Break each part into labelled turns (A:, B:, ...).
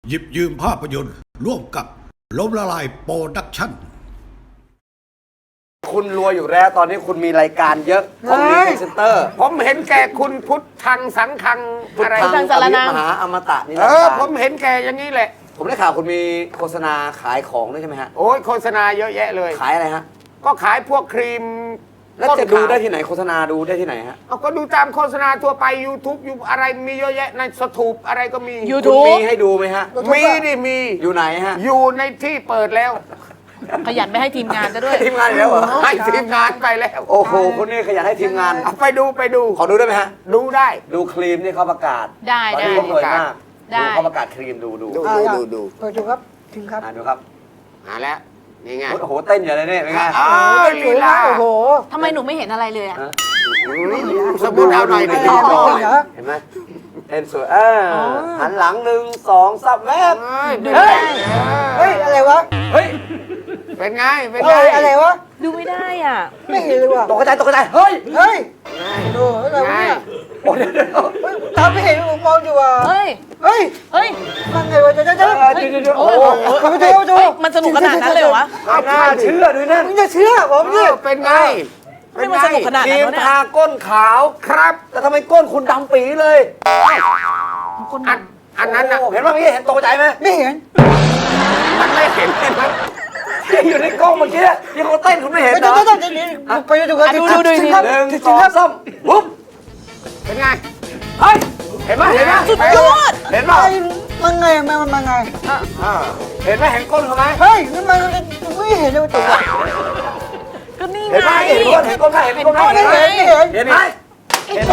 A: หยิบยืมภาพยนตร์ร่วมกับล้มละลายโปรดักชั่น
B: คุณรวยอยู่แล้วตอนนี้คุณมีรายการเยอะผมมีพรีเซนเตอร์
C: ผมเห็นแก่คุณพุทธังสังฆังอะไร
B: ทางสารนามหาอมตะนี่นะ
C: ผมเห็นแก่อย่างนี้แหละ
B: ผมได้ข่าวคุณมีโฆษณาขายของด้วยใช่ไหมฮะ
C: โอ้ยโฆษณาเยอะแยะเลย
B: ขายอะไรฮะ
C: ก็ขายพวกครีม
B: แล้วจะดูได้ที่ไหนโฆษณาดูได้ที่ไหนฮะ
C: ก็ดูตามโฆษณาทั่วไป YouTube อยู่อะไรมีเยอะแยะในสถูปอะไรก็มี
B: YouTube มีให้ดูไหมฮะ
C: มีดิมี
B: อยู่ไหนฮะ
C: อยู่ในที่เปิดแล้ว
D: ขยันไปให้ทีมงานจะด้วย
B: ทีมงานแล้วเหรอ
C: ให้ทีมงานไปแล้ว
B: โอ้โหคนนี้ขยันให้ทีมงาน
C: ไปดู
B: ขอดูได้ไหมฮะ
C: ดูได้
B: ดูครีมที่เขาประกาศ
D: ได้
B: เขารวยมาก
D: ดู
B: เขาประกาศครีมดู
E: เปิดดูครับถึงครับ
B: ดูครับ
C: แล้วนี่ไง
B: โอ้โหเต้นอย่างไรเนี่ยเป็นไง
C: ลีลา
E: โอ้โห
D: ทำไมหนูไม่เห็นอะไรเลยอะ
C: สมมติเอาหน่อยดิ
B: เห็นไหมเต้นสวยหันหลัง1 2 3แวบ
E: เฮ้ยอะไรวะ
B: เฮ้ย
C: เป็นไง
E: อะไรวะ
D: ดูไม่ได้อ่ะ
E: ไม่เห็นเลยว่ะ
B: ตกใจเฮ้ย
E: ดูอะไรวะเนี่ยตาไม่เห็นมองอยู่ว่ะ
D: เฮ้ย
E: มันไงวะจะ
D: โอ้โหมันสนุกขนาดนั้นเลยวะ
B: น่าเชื่อด้วยนั่น
E: มึงจะเชื่อผม
C: นี่เป็นไง
D: ไม่มันสนุกขนาดนั้น
B: เนี่ยทาก้นขาว
C: ครับ
B: แต่ทำไมก้นคุณดำปีเลย
C: อันนั้นนะ
B: เห็นว่าเห็นตกใจไหม
E: ไม่เห็น
C: มันไม่เห็น
B: ที่อยู่ในกล้องเมื่อกี้ที่เขาเต้นคุณไม่เห็นเหรอ
E: ไปดูกัน
D: ดู
B: 1 2 3ปุ๊บ
C: เป็นไง
B: เฮ้ยเห็นไหม
D: สุดยอด
B: เห็นไหม
E: มันไงมันไง
B: เห็นไหมเห็นก้นเขาไหม
E: เฮ้ยมันไม่เห็นเลยตัว
D: ก็นี่ไง
B: เห็นไหมเห็นก้นไหมเห็นก้นไหมเห็นไหมเห็นไหมเห็นไหม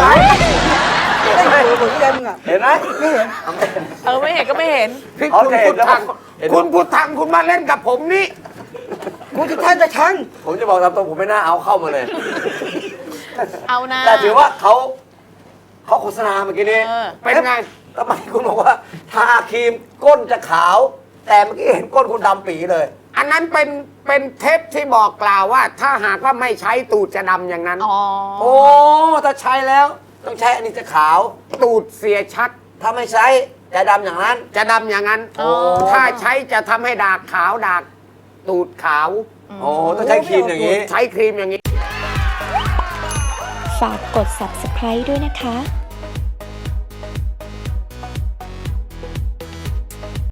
B: เห็นไหม
E: ไม่เห็น
D: ไม่เห็นก็ไม่เห็น
C: พี่คุณพุทธังคุณมาเล่นกับผมนี่
E: กูจะทันจะทัน
B: ผมจะบอกตามตรงผมไม่น่าเอาเข้ามาเลย
D: เอานะ
B: แต่ถือว่าเขาโฆษณาเมื่อกี้นี้
C: เป็นไง
B: ทำไมคุณบอกว่าทาครีมก้นจะขาวแต่เมื่อกี้เห็นก้นคุณดำปีเลย
C: อันนั้นเป็นเทปที่บอกกล่าวว่าถ้าหากว่าไม่ใช้ตูดจะดำอย่างนั้น
B: โอ้ถ้าใช้แล้วต้องใช้อันนี้จะขาว
C: ตูดเสียชัด
B: ถ้าไม่ใช้จะดำอย่างนั้น
C: ถ้าใช้จะทำให้ดากขาวดากตูดขาว
B: ต้องใช้ครีมอย่างนี้
C: ใช้ครีมอย่างนี้
F: ฝากกด subscribe ด้วยนะคะ